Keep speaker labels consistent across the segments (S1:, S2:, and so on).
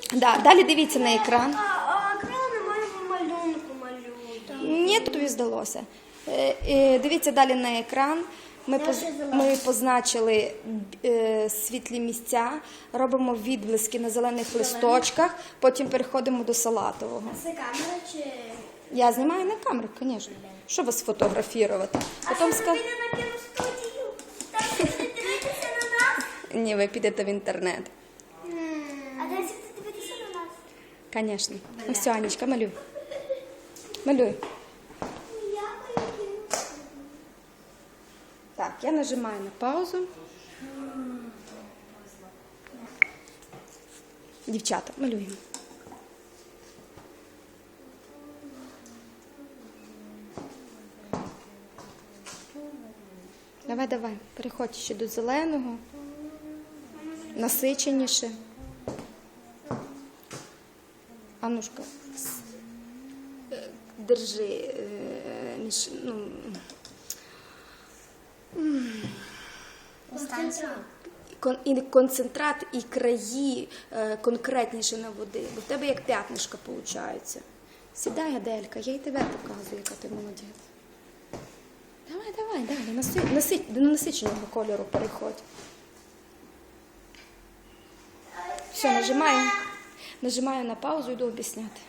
S1: Да, далі дивіться на екран.
S2: А крила немає малюнку малюють.
S1: Ні, тобі здалося. Дивіться далі на екран. Ми позначили світлі місця, робимо відблиски на зелених листочках, потім переходимо до салатового.
S2: Це камера чи...
S1: Я знімаю на камеру, звісно. Що вас фотографувати? Потім
S2: піде на кіностудію? Там будете дивитися на нас?
S1: Ні, ви підете в інтернет.
S2: А де будете дивитися на нас?
S1: Звісно. Ну все, Анічка, малюй. Малюй. Так, я нажимаю на паузу. Дівчата, малюємо. Давай, переходь ще до зеленого, насиченіше. Анушка, держи, і концентрат, і краї конкретніше наводи, бо в тебе як п'ятнишка виходить. Сідай, Аделька, я й тебе показую, яка ти молодець. Давай, далі, до насиченого кольору переходь. Все, нажимаю на паузу і йду об'ясняти.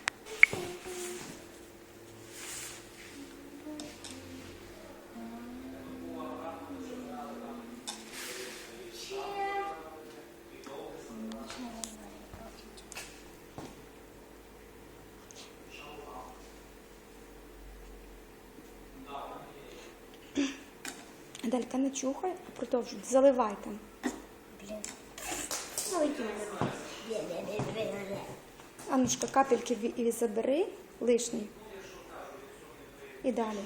S1: Аделька, не чухай, а продовжуй. Заливай там. Аннушка, капельки і забери, лишні. І далі.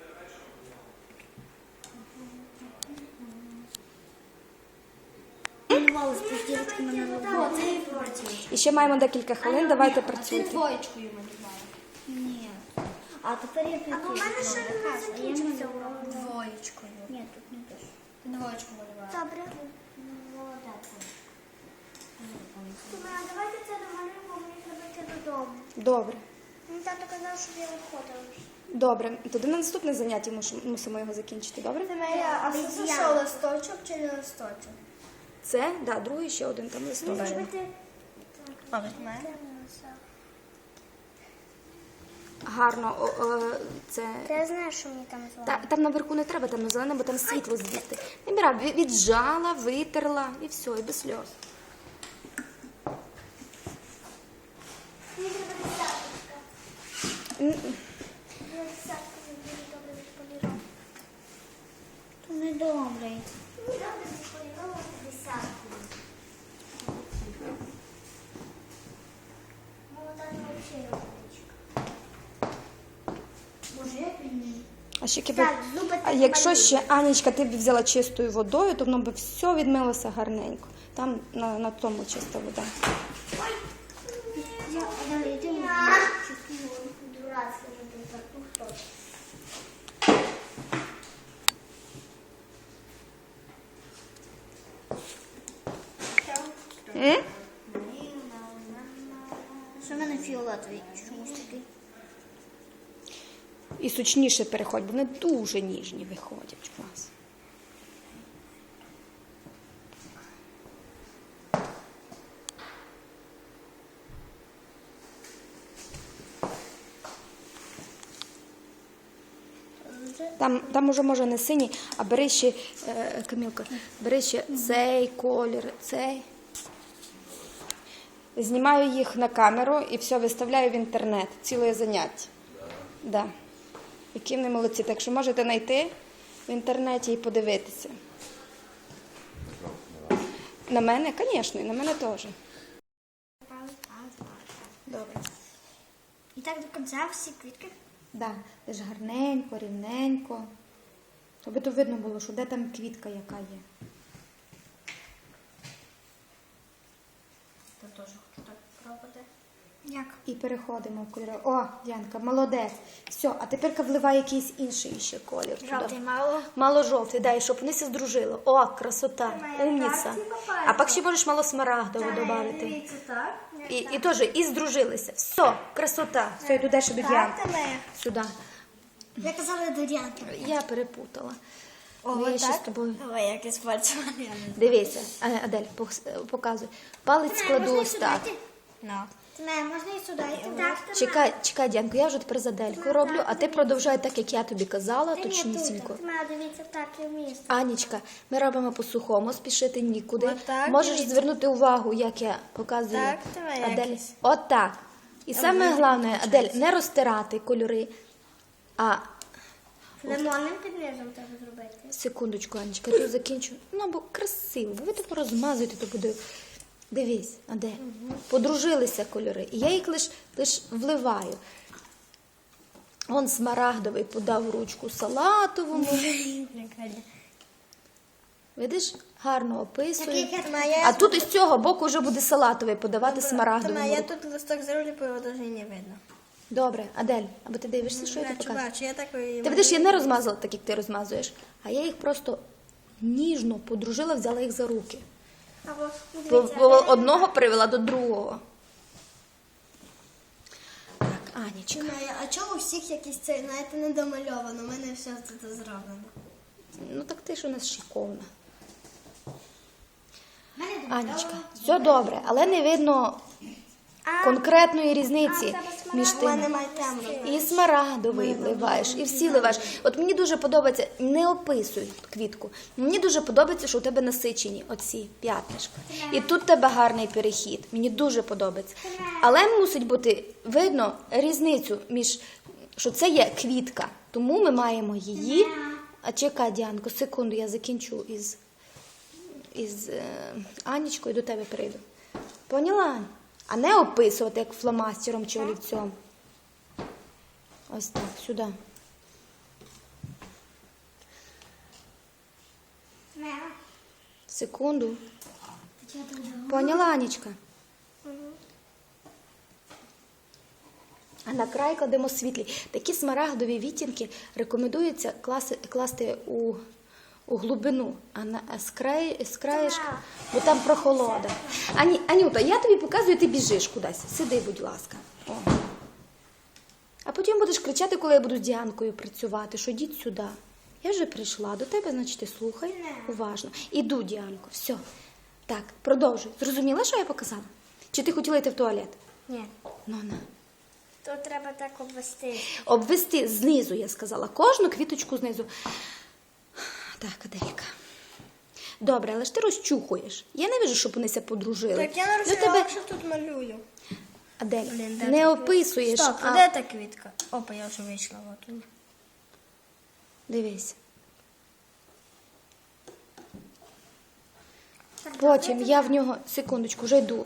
S1: І ще маємо декілька хвилин, давайте працюйте.
S2: Двоєчкою малювала. Ні. А тепер я піду. А у мене ще не закінчився урок. Двоєчкою. Ні, тут не пишу. Ти двоєчку малювала. Добре. Молодець. А давайте це домалюємо, мені треба йти додому.
S1: Добре.
S2: Мені тато казав, щоб я виходила.
S1: Добре. Тоді на наступне заняття мусимо його закінчити, добре?
S2: А це що, листочок чи не листочок?
S1: Це, да, другий ще один там листочок. Гарно, це...
S2: Я знаю, що мені там звали.
S1: Там наверху не треба, там на зелене, бо там світло звідти. Міра, віджала, витерла і все, і без сльоз.
S2: Мені треба десяточка. Я десятку дуже добре відполірувала.
S3: То не добре.
S2: Мені добре відполірувала десятку. Молода не взагалі робочка. Боже, як він...
S1: А ще
S2: Так, зуби
S1: а якщо ще, Анічка, ти б взяла чистою водою, то воно б все відмилося гарненько. Там на тому чиста вода.
S2: Дурацька вже тут.
S3: Що в мене фіолетовий? Чомусь такий.
S1: І сучніше переходь, бо вони дуже ніжні виходять у вас. Там уже може не синій, а бери ще, Камілка, бери ще цей колір, цей. Знімаю їх на камеру і все, виставляю в інтернет. Ціле заняття. Да. Які вони молодці. Так що можете знайти в інтернеті і подивитися. На мене, звісно, і на мене теж. Добре.
S2: І так до кінця всі квітки?
S1: Да, теж гарненько, рівненько. Щоб то видно було, що де там квітка, яка є.
S2: Я теж хочу так пробувати. Як?
S1: І переходимо в кольори. О, Діанка, молодець. Все, а тепер вливай якийсь інший ще колір. туди.
S2: Жовтий мало.
S1: Мало жовтий, дай, щоб вони все здружили. О, красота, умніця. А пак ще можеш мало смарагдового додати.
S2: Дивіться, так.
S1: І теж, і здружилися. Все, красота. Все, йду далі до Діанки. Сюди.
S2: Я казала до Діанки.
S1: Я перепутала.
S2: О,
S1: Ну, я
S2: отак?
S1: ще з тобою.
S2: Ой, як я спальцювала.
S1: Дивіться, Адель, показуй. Палець складу ось так.
S2: Можна і сюди.
S1: Чекай, Діанко, я вже тепер за Адельку роблю, а ти продовжай так, як я тобі казала, точнісінько.
S2: Дивіться, так, і вмісто.
S1: Анічка, ми робимо по-сухому, спішити нікуди.
S2: Отак,
S1: Можеш
S2: дивіться.
S1: звернути увагу, як я показую.
S2: Так, давай
S1: Адель.
S2: якось.
S1: Отак. І саме головне, Адель, не розтирати кольори, а
S2: Лимонним під низом треба зробити.
S1: секундочку, Анечка, я тут закінчу. Ну, бо красиво, бо ви так розмазуєте, то буде. Дивись, Адель, подружилися кольори. І я їх лиш вливаю. Он смарагдовий подав ручку салатовому. Видиш, гарно описує. А тут із цього боку вже буде салатовий подавати смарагдовому.
S2: Я тут листок зроблю, бо його навіть не видно.
S1: Добре, Адель, або ти дивишся, що я тобі показую?
S2: Бачу, я так і...
S1: Ти видиш, я не розмазала так, як ти розмазуєш, а я їх просто ніжно подружила, взяла їх за руки. Одного привела до другого. Так, Анічка.
S2: А чого у всіх якісь це, знаєте, не домальовано? У мене все тут зроблено.
S1: Ну так ти ж у нас шиковна. Анічка, все добре, але не видно конкретної різниці між тим. І смарагдовий вливаєш, і всі вливаєш. От мені дуже подобається, не описуй квітку, мені дуже подобається, що у тебе насичені оці п'ятнишка. І тут у тебе гарний перехід, мені дуже подобається. Але мусить бути видно різницю між, що це є квітка, тому ми маємо її. А чекай, Діанко, секунду, я закінчу із Анічкою, до тебе прийду. Поняла, Ань? А не описувати, як фломастером чи олівцем. Ось так, сюди. Секунду. Поняла, Анічка? А на край кладемо світлі. Такі смарагдові відтінки рекомендується класти у глибину, а з краєшка, бо там прохолода. Анюта, я тобі показую, ти біжиш кудись. Сиди, будь ласка. О. А потім будеш кричати, коли я буду з Діанкою працювати, що йдіть сюди. Я вже прийшла до тебе, значить ти слухай уважно. Іду, Діанко, все. Так, продовжуй. Зрозуміла, що я показала? Чи ти хотіла йти в туалет?
S2: Ні.
S1: Ну, на.
S2: То треба так обвести.
S1: Обвести знизу, я сказала. Кожну квіточку знизу. Так, Аделька. Добре, але ж ти розчухуєш. Я не вижу, щоб вонися подружили.
S2: Так я нарисувала, що тут малюю.
S1: Адель,
S2: Блін, де
S1: не
S2: та
S1: описуєш,
S2: Стоп,
S1: а
S2: де та квітка? Опа, я вже вийшла. От.
S1: дивись. Потім я в нього, секундочку, вже йду.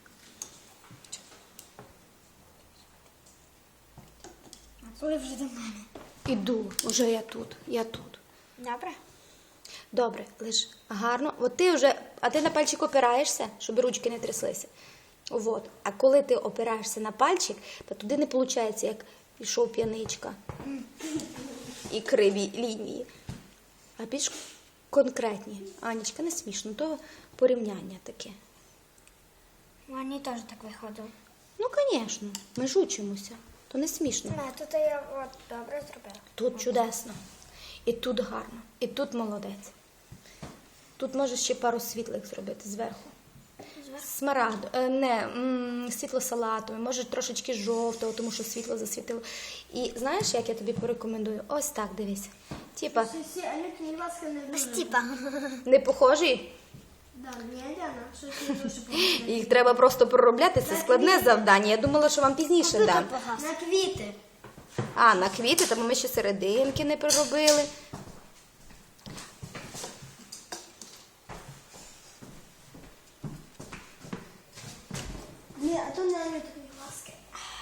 S2: Коли вже до мене?
S1: Іду, вже я тут.
S2: Добре.
S1: Добре, лиш гарно. От ти вже, а ти на пальчик опираєшся, щоб ручки не тряслися. От. А коли ти опираєшся на пальчик, то туди не виходить, як пішов п'яничка. І криві лінії. А більш конкретні. Анічка, не смішно, то порівняння таке.
S2: Мені теж так виходило.
S1: Ну, звісно, ми ж учимося. То не смішно.
S2: Тут я от добре зробила.
S1: Тут чудесно. І тут гарно. І тут молодець. Тут можеш ще пару світлих зробити зверху. Смарагду, світло-салатове, може трошечки жовтого, тому що світло засвітило. І знаєш, як я тобі порекомендую? Ось так, дивись. Типа,
S2: Стіпа.
S1: не похожий? Їх треба просто проробляти, це складне завдання. Я думала, що вам пізніше дам.
S2: На квіти.
S1: А, на квіти, тому ми ще серединки не проробили.
S2: Ні, а то не ласки.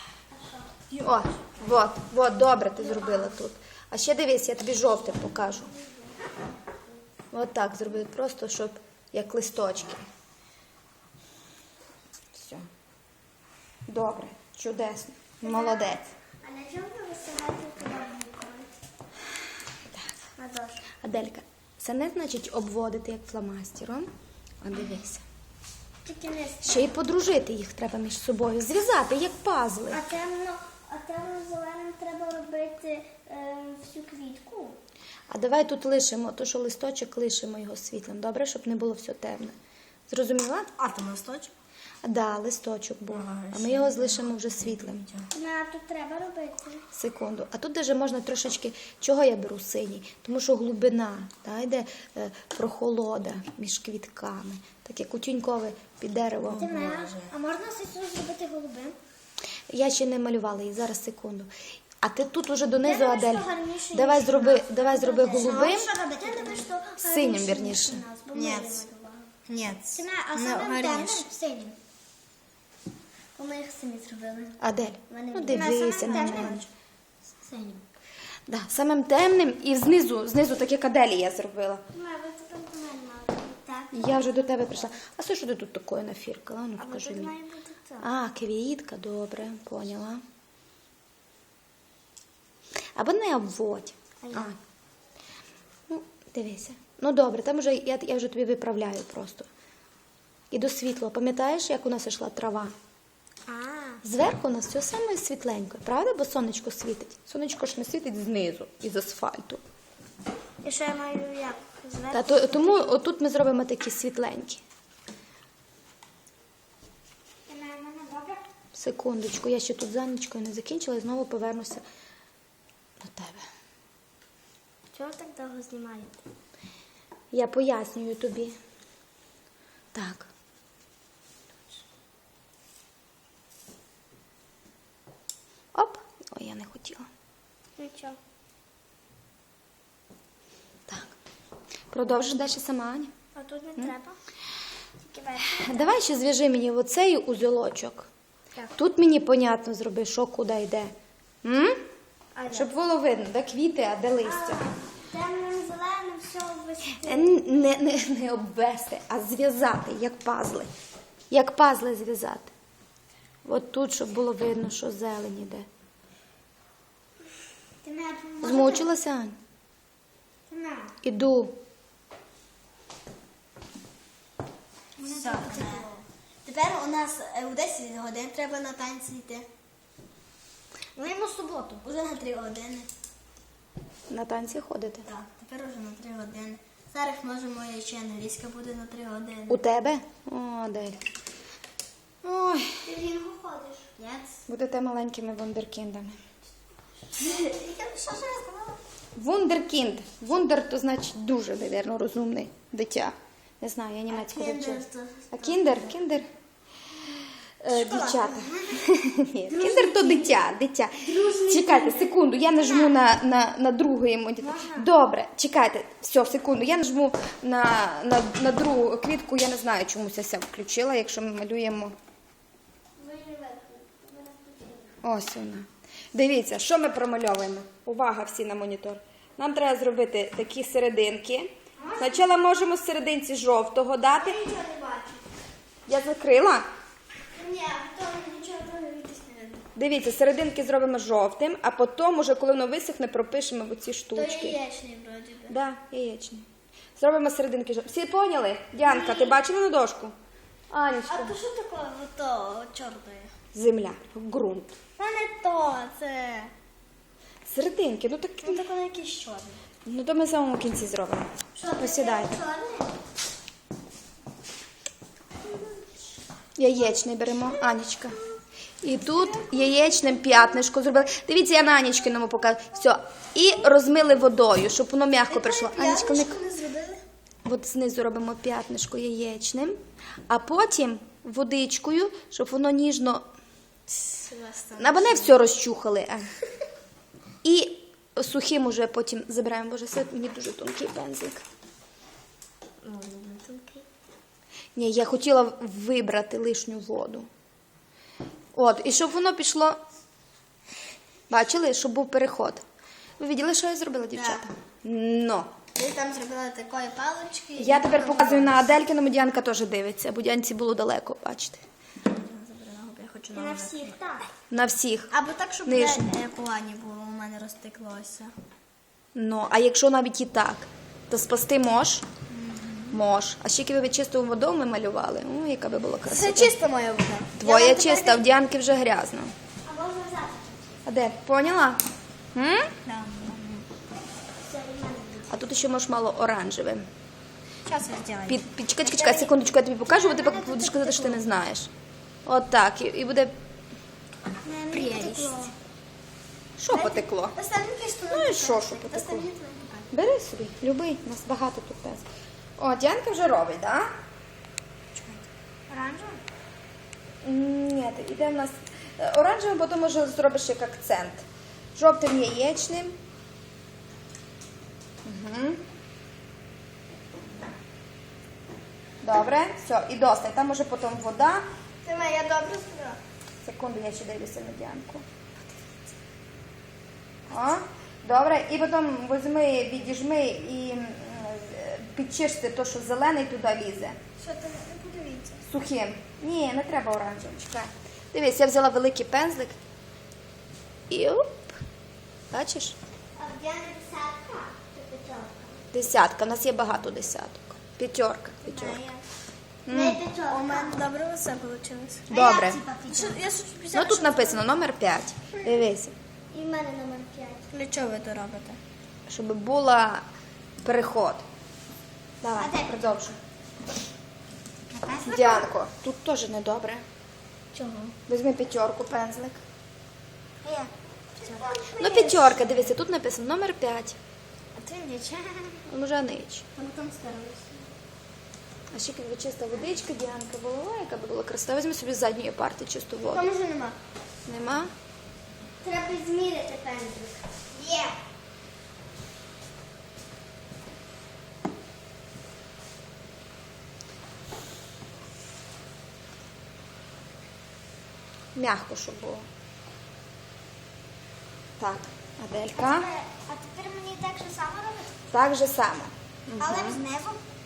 S1: От, добре ти зробила тут. А ще дивись, я тобі жовтим покажу. От так зробити, просто, щоб як листочки. Все. Добре. Чудесно. Молодець.
S2: А на чому ви висилаєте туди букви? На дошку.
S1: Аделька, це не значить обводити як фломастером, а дивися.
S2: Тільки не
S1: Ще й подружити їх треба між собою, зв'язати як пазли.
S2: А темно-зеленим треба робити всю квітку.
S1: А давай тут лишимо, то що листочок лишимо його світлим, добре, щоб не було все темне. Зрозуміла?
S3: А, там листочок?
S1: Да, листочок був.
S3: Ага,
S1: А ми його залишимо вже світлим.
S2: А тут треба робити.
S1: Секунду. А тут даже можна трошечки, чого я беру синій? Тому що глибина, та, йде прохолода між квітками. Таке кутюнькове під деревом.
S2: А можна сесію зробити голубим?
S1: Я ще не малювала її, зараз секунду. А ти тут уже донизу,
S2: Я думаю,
S1: Адель.
S2: що гарніше,
S1: Давай
S2: ніж
S1: зроби голубим.
S2: Що робити? Я думаю, що
S1: Синім,
S2: гарніше,
S1: вірніше.
S2: ніж у нас, бо ми
S3: Ні.
S2: не малювали.
S3: Ні.
S2: А саме темним синім. Бо ми їх самі зробили.
S1: Адель,
S2: Вони
S1: ну
S2: були.
S1: дивися на
S2: Самим
S1: мене.
S2: темним? Синім.
S1: Да, самим темним і знизу так як Аделі я зробила.
S2: Ви тепер до мене мали. Так.
S1: Я вже до тебе прийшла. А що ти тут такое нафіркала? Ну,
S2: Але
S1: скажи
S2: тут
S1: мені.
S2: має бути так.
S1: А, квітка, добре, поняла. Або не обводь. А. Ну, дивися. Ну добре, там вже я вже тобі виправляю просто. І до світла. Пам'ятаєш, як у нас йшла трава? Зверху у нас все саме світленько, правда? Бо сонечко світить. Сонечко ж не світить знизу, із асфальту.
S2: І що я маю як?
S1: Тому отут ми зробимо такі світленькі.
S2: Добре?
S1: Секундочку, я ще тут за нічкою не закінчила і знову повернуся до тебе.
S2: Чого так довго знімаєте?
S1: Я пояснюю тобі. Так. Оп. Ой, я не хотіла.
S2: Нічого.
S1: Так. Продовжиш далі сама, Аня.
S2: А тут не треба. Тільки верхній.
S1: Давай ще зв'яжи мені оцей узелочок.
S2: Так.
S1: Тут мені понятно зроби, що куди йде. М?
S2: А як?
S1: Щоб було видно, де квіти, а де листя.
S2: Темним, зеленим, все обвести.
S1: Не обвести, а зв'язати, як пазли. Як пазли зв'язати. От тут, щоб було видно, що зелень іде.
S2: Ти не
S1: Змучилася, Ань?
S2: на.
S1: Іду.
S3: Все. Тепер у нас у 10 годин треба на танці йти.
S2: Ми йому суботу.
S3: Уже на 3 години.
S1: На танці ходити.
S3: Так, тепер уже на 3 години. Зараз може моя ще англійська буде на 3 години.
S1: У тебе? О, Адель. Ой,
S2: Ти в рінгу ходиш?
S3: Ні?
S1: будете маленькими вундеркіндами.
S2: Що ж я сказала?
S1: Вундеркінд. Вундер то значить дуже, мабуть, розумний дитя. Не знаю, я німецьку вивчила. А кіндер? Кіндер? Дівчата. Ні, кіндер то дитя. Чекайте, секунду, я нажму на другий монітор. Добре, чекайте, все, секунду, я нажму на другу квітку, я не знаю, чомусь я ся включила, якщо ми малюємо. Ось вона. Дивіться, що ми промальовуємо. Увага всі на монітор. Нам треба зробити такі серединки. Спочатку можемо в серединці жовтого дати.
S2: Нічого не бачу.
S1: Я закрила.
S2: Ні, то нічого не видно.
S1: Дивіться, серединки зробимо жовтим, а потім, уже, коли воно висохне, пропишемо в оці
S2: То
S1: штучки.
S2: яєчний вроді би.
S1: Да, яєчний. Зробимо серединки жовтим. Всі поняли? Діанка, ти бачила на дошку?
S2: А
S1: Анечка.
S2: то що таке ото чорне?
S1: Земля, ґрунт.
S2: Та не то, це...
S1: Серединки, ну так.
S2: Ну таке якийсь чорний.
S1: Ну то ми в самому кінці зробимо. Посідайте.
S2: Чорний?
S1: Яєчний беремо, Анечка. І тут яєчним п'ятнишко зробили. Дивіться, я на Анечкиному показую. Все. І розмили водою, щоб воно м'яко прийшло. Анечка, не...
S2: не зробили?
S1: От знизу робимо п'ятнишко яєчним, а потім водичкою, щоб воно ніжно... Або не все розчухали. І сухим уже потім забираємо. Боже, це мені дуже тонкий пензлик. Ні, я хотіла вибрати лишню воду. От, і щоб воно пішло... Бачили, щоб був переход. Ви бачили, що я зробила, дівчата? Но.
S3: Ти там зробила такої палички.
S1: Я тепер показую на Аделькиному, Діанка теж дивиться, бо Діанці було далеко, бачите.
S3: хочу
S2: На всіх, так.
S1: На всіх.
S3: Або так, щоб
S1: Нижній.
S3: плані було, у мене розтеклося.
S1: Ну, а якщо навіть і так, то спасти можеш? Можеш. А ще якби ви чистою водою ми малювали, яка би була
S3: Це
S1: красота.
S3: чисто моя вода.
S1: Твоя чиста, в Діанки вже грязно.
S2: А можна взяти?
S1: А де? Поняла? М?
S3: Да.
S2: Все, і в мене буде.
S1: А тут ще можеш мало оранжевим.
S3: Зараз я зроблю.
S1: Чекай, секундочку, я тобі покажу, бо ти поки будеш казати, що ти не знаєш. От так, і буде...
S3: Прелість.
S1: Що потекло?
S3: Останній кістку.
S1: Ну і що потекло?
S3: Останній твій.
S1: Бери собі, любий, у нас багато тут теж. О, Діанка вже робить, так?
S2: Оранжевий?
S1: Ні, іде в нас оранжевим, потім може зробиш як акцент. Жовтим яєчним. Угу. Добре, все, і досить. Там може потім вода.
S2: Тримай, я добре зробила.
S1: Секунду, я ще дивлюся на Діанку. О, добре, і потім візьми, відіжми і підчисти те, що зелений туди лізе.
S2: Що ти не подивіться?
S1: Сухим. Ні, не треба оранжевим, чекай. Дивись, я взяла великий пензлик. І оп. Бачиш?
S2: А в Діані десятка? Чи п'ятерка?
S1: Десятка. У нас є багато десяток. П'ятерка.
S2: Не п'ятерка.
S3: У мене добре все вийшло.
S1: Добре.
S3: Я щось
S1: Ну тут написано номер 5. Дивись.
S2: І в мене номер 5.
S3: Для чого ви то робите?
S1: Щоб була переход. Давай,
S2: А де?
S1: продовжуй. Діанко, тут теж недобре.
S3: Чого?
S1: Візьми п'ятерку, пензлик.
S2: Як?
S1: Ну, п'ятерка, дивися, тут написано номер 5.
S3: А ти нічого.
S1: Вже нич.
S2: Там старалися.
S1: А ще якби чиста водичка, Діанка була, яка б була красива. Візьми собі з задньої парти чисту воду.
S2: Там вже нема.
S1: Нема?
S2: Треба зміряти пензлик. Є.
S1: М'яко, щоб було. Так, Аделька.
S2: А тепер мені так же само робити?
S1: Так же само.
S2: Але знизу?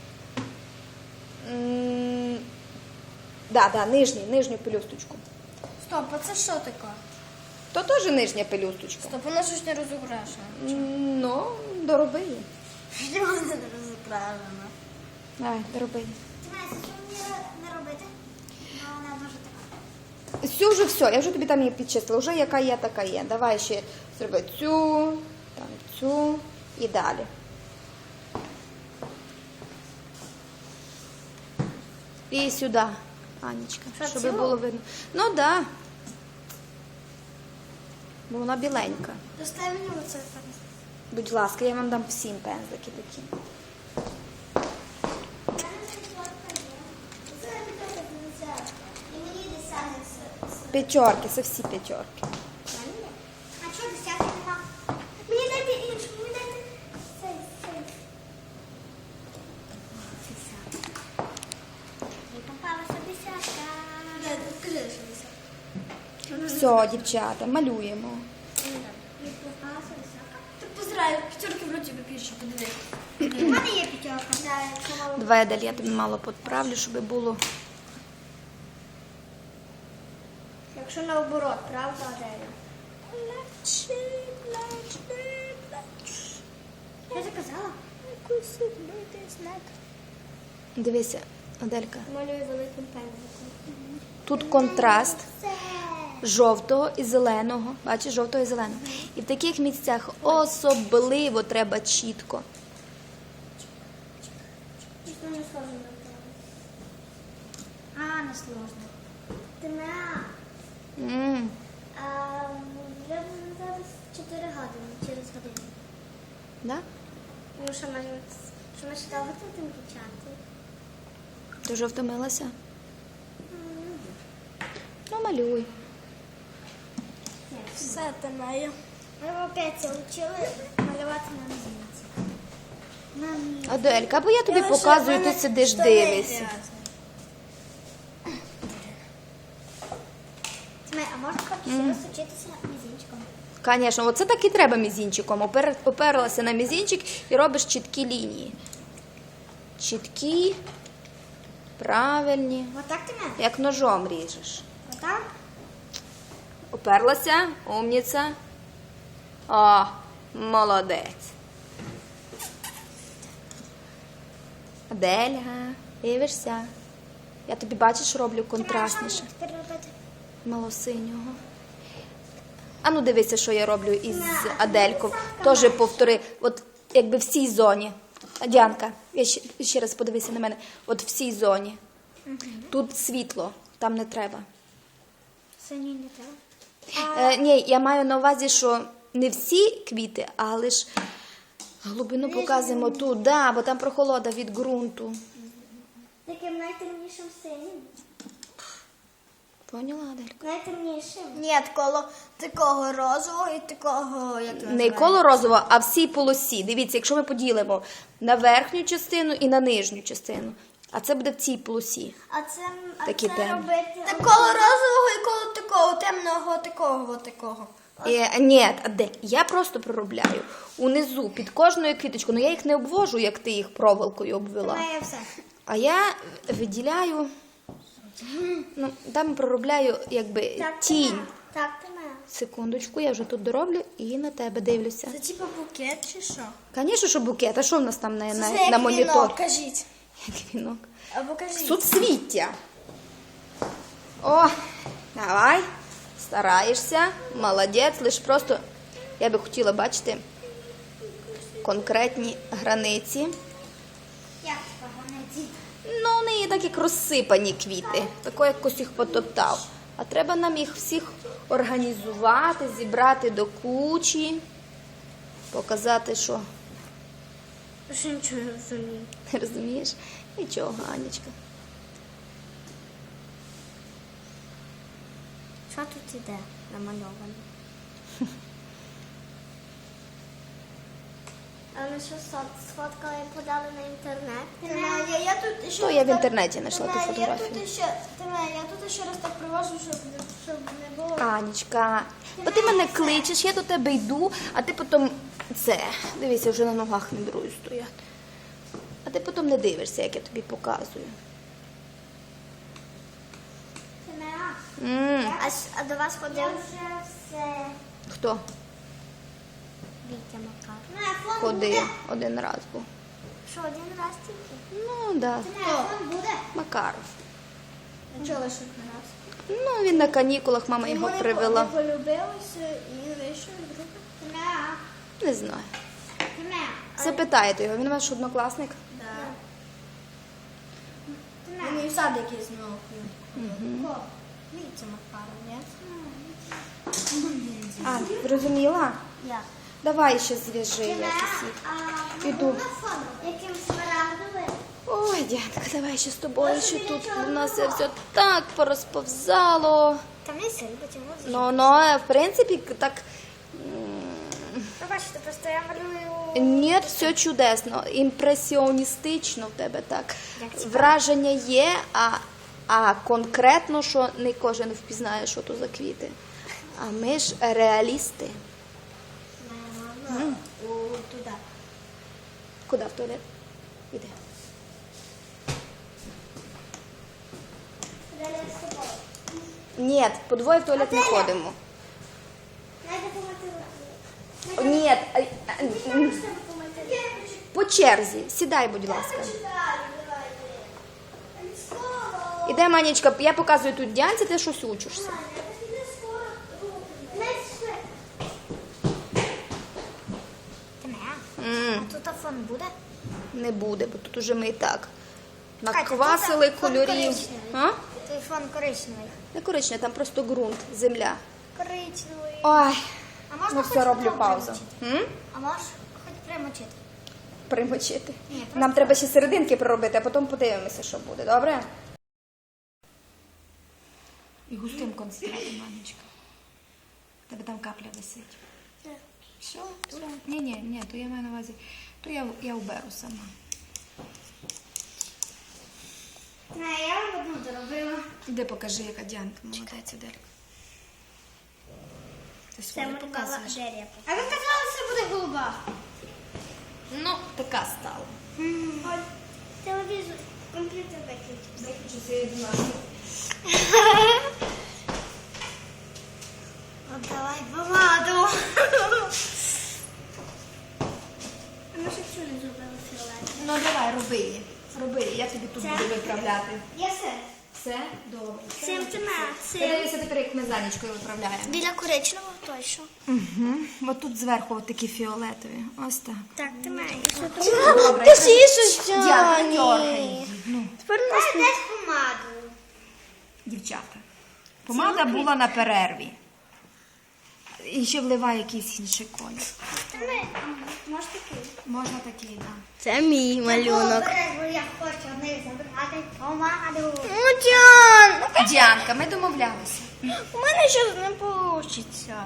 S1: Да, нижню пелюсточку.
S3: Стоп, а це що таке?
S1: То теж нижня пелюсточка.
S3: Стоп, вона щось не розукрашена.
S1: Ну, дороби її.
S3: Чому вона не розукрашена?
S1: Давай, дороби її.
S2: Тимеся, що мені не робити? Бо вона дуже така.
S1: Всю вже все, я вже тобі там її підчистила. Вже яка є, така є. Давай ще зроби цю, там цю і далі. І сюди, Анечка,
S3: Що,
S1: щоб
S3: цю?
S1: було видно. Ну так. Да. Бо вона біленька.
S2: Достай мені оце пензлик.
S1: Будь ласка, я вам дам всім пензлики такі.
S2: І мені десяток.
S1: П'ятерки, це всі п'ятерки.
S2: А що десяток нема? Мені дайте іншу, мені дайте цей. Десяток. І попалася десятка.
S3: Скажи, що це.
S1: Все, дівчата, малюємо.
S2: І попалася десятка.
S3: Так позираю, п'ятерки в роті більше, подиви.
S2: У мене є п'ятерка. Да, якщо мало.
S1: Давай, Адель, я тобі мало підправлю, щоб було.
S2: Якщо наоборот, правда, Аделя? Я заказала.
S1: Дивися, Аделька,
S2: Малюю великим пензликом.
S1: тут контраст
S2: Це.
S1: жовтого і зеленого. Бачиш, жовтого і зеленого. І в таких місцях особливо треба чітко.
S2: Что не сложно делать? А, не сложно.
S1: М.
S2: Вже зараз 4 години, через годину.
S1: Да?
S2: Ну, що ми ще довго тут вивчати?
S1: Ти вже втомилася? Ну, малюй.
S3: Все, ти маю.
S2: Ми опять учили малювати на мізинці. На мізинці.
S1: Аделька, бо я тобі показую, ти сидиш, дивишся.
S2: А можна хоч раз вчитися мізинчиком?
S1: Звісно, оце так і треба мізінчиком. Оперлася на мізінчик і робиш чіткі лінії. Чіткі, правильні.
S2: Отак ти мене?
S1: Як ножом ріжеш.
S2: Отак?
S1: Оперлася, умніця. О, молодець. Адельга, дивишся. Я тобі, бачиш, роблю контрастніше. Малосинього. А ну дивися, що я роблю із Аделькою. Теж повтори. От якби в цій зоні. Діанка, ще раз подивися на мене. От в цій зоні. Тут світло, там не треба.
S2: Синій не треба.
S1: Ні, я маю на увазі, що не всі квіти, але ж глибину показуємо тут, да, бо там прохолода від ґрунту.
S2: Таким найтемнішим синім.
S1: Поняла, Аделька?
S2: Найтемнішим.
S3: Ні, коло такого розового і такого, як це
S1: Не
S3: називається?
S1: коло розово, а всій полосі. Дивіться, якщо ми поділимо на верхню частину і на нижню частину, а це буде в цій полосі. Такі темні.
S2: робити.
S3: Так коло розового і коло такого, темного, такого, такого.
S1: Ні, Адель, я просто проробляю унизу під кожною квіточкою. Ну я їх не обвожу, як ти їх проволокою обвела.
S2: Має все.
S1: А я виділяю, ну там проробляю якби тінь.
S2: Так, ти моя.
S1: Секундочку, я вже тут дороблю і на тебе дивлюся.
S3: Це типу букет чи що?
S1: Звісно, що букет. А що в нас там
S3: Це
S1: на
S3: як
S1: монітор?
S3: вінок, кажіть.
S1: Як вінок.
S3: Або кажіть.
S1: Суцвіття. О, давай. Стараєшся. Молодець. Лиш просто я би хотіла бачити конкретні границі.
S2: Як погано дід.
S1: Ну, в неї так як розсипані квіти. Тако якось їх потоптав. А треба нам їх всіх організувати, зібрати до кучі, показати, що
S2: Що нічого не розумію.
S1: не розумієш? Нічого, Анечка.
S2: Що тут іде намальовано? А ми що сфоткали і подали на інтернет?
S3: Я тут ще
S1: То я в інтернеті знайшла ту
S3: Я
S1: фотографію.
S3: тут ще раз так привожу, щоб не було.
S1: Анечка, бо ти мене кличеш, я до тебе йду, а ти потім це. Дивися, вже на ногах не беру стояти. А ти потім не дивишся, як я тобі показую.
S2: А до вас ходив? Я вже все.
S1: Хто?
S2: Вітя Макар.
S1: Ходив один раз був.
S2: Що, один раз тільки?
S1: Ну, да.
S2: Телефон буде?
S1: Макаров.
S3: Чого лише раз?
S1: Ну, він на канікулах, мама його привела.
S3: Ми полюбилися і вийшов друг.
S1: Не знаю. Запитайте його, він ваш однокласник?
S3: Да. Він і в сад якийсь знову. Віця Макаров, ні?
S1: А, зрозуміла?
S2: Як?
S1: Давай ще зв'яжи, я сусід. Іду.
S2: Яким смарагдовим?
S1: Ой, Діанка, давай ще з тобою, що тут у нас все так порозповзало.
S2: Там є сир, потім
S1: Ну, в принципі, так,
S2: Ви бачите, просто я малюю...
S1: ні, все чудесно, імпресіоністично в тебе так.
S2: Як цікаво.
S1: Враження є, а конкретно, що не кожен впізнає, що то за квіти. А ми ж реалісти.
S3: Туди.
S1: Куди в туалет? Іди.
S2: Далі з тобою.
S1: Ні, по двоє в туалет не ходимо.
S2: Найде помати.
S1: Ні,
S2: Щоб помати.
S1: по черзі. Сідай, будь ласка. Іде, Манечка, я показую тут Діанці, ти щось учишся.
S2: Ти моя? А тут фон буде?
S1: Не буде, бо тут уже ми і так
S2: Катя,
S1: наквасили
S2: тут фон
S1: кольорів.
S2: коричневий.
S1: А?
S2: Той фон коричневий.
S1: Не коричневе, там просто ґрунт, земля.
S2: Коричневий.
S1: Ой,
S2: А можна
S1: ну
S2: хоч
S1: все, роблю
S2: там
S1: паузу.
S2: примочити? А можеш хоч примочити?
S1: Примочити.
S2: Ні, просто-
S1: Нам треба ще серединки проробити, а потім подивимося, що буде, добре? І густим концентратом, Манечка. Тебе там капля висить. Все? Ні, то я маю на увазі, то я уберу сама.
S2: Не, я вам одну доробила.
S1: Іди покажи, яка Діанка молодець, Аделька. Ти
S2: Це
S1: своє
S2: малювала
S1: показуєш.
S2: Адерія. А ви казали, що буде голуба.
S1: Ну, така стала.
S2: Телевізор, комп'ютер виключився.
S1: Виключи свої 12. виправляти?
S2: Я все.
S1: Все? Добре.
S2: Цим ти
S1: Дивися тепер, як ми з Анічкою виправляємо.
S2: Біля коричневого точно.
S1: Угу. Ось тут зверху от такі фіолетові. Ось так.
S2: Так, ти маєш.
S1: Добре. Діана, не дьоргай її. Ну,
S2: Тепер у нас десь помаду.
S1: дівчата. Помада була на перерві. І ще вливай якийсь інший колір.
S2: Може такий.
S1: Можна такий, так.
S3: Це мій малюнок.
S2: Я хочу не забрати помаду.
S3: Ну, Діан,
S1: Діанка, ми домовлялися.
S3: у мене щось не вийде.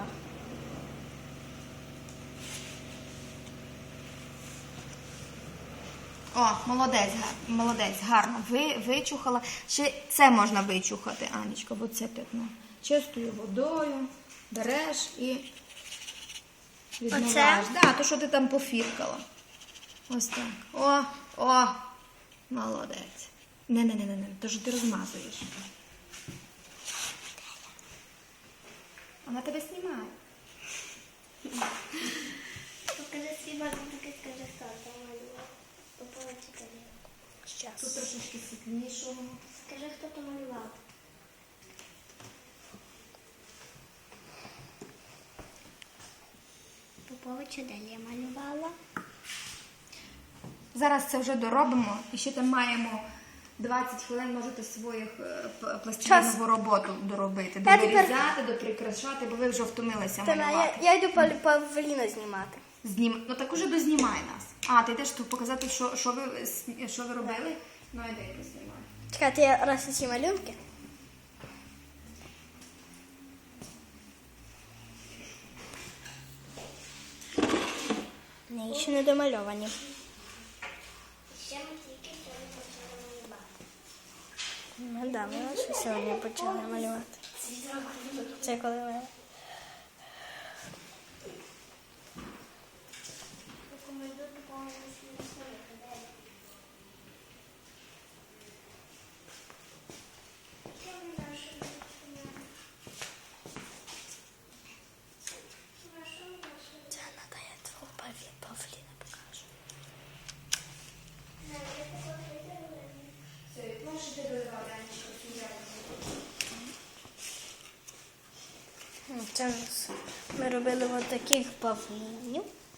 S1: О, молодець, гарно. Вичухала. Ще це можна вичухати, Анічка, бо це пятно. Чистою водою береш і відмиваєш. Так, то, що ти там пофіркала. Ось так. О, молодець. Не, то що ти розмазуєш. Вона тебе знімає.
S2: Покажи свій малюнок, скажи, хто там малював.
S1: Тут трошечки світлішого.
S2: Скажи, хто там малював. Поповича Делія малювала.
S1: Зараз це вже доробимо. І ще там маємо 20 хвилин, можете своїх пластилінову роботу доробити. Довирізати, доприкрашати, бо ви вже втомилися малювати.
S3: Я йду Павліна знімати.
S1: Ну так уже дознімай нас. А, ти йдеш тут показати, що ви робили? Ну, йди, познімай.
S3: Чекайте, я раз ці малюнки. Ні, ще не домальовані.
S2: Ще ми тільки сьогодні почали малювати.
S3: Ну да, ми лише сьогодні почали малювати. Це коли ми...
S2: Рекомендую допомогти своїм своїм.
S3: Це треба я твого Павліна покажу. Це ми робили ось таких павлінів.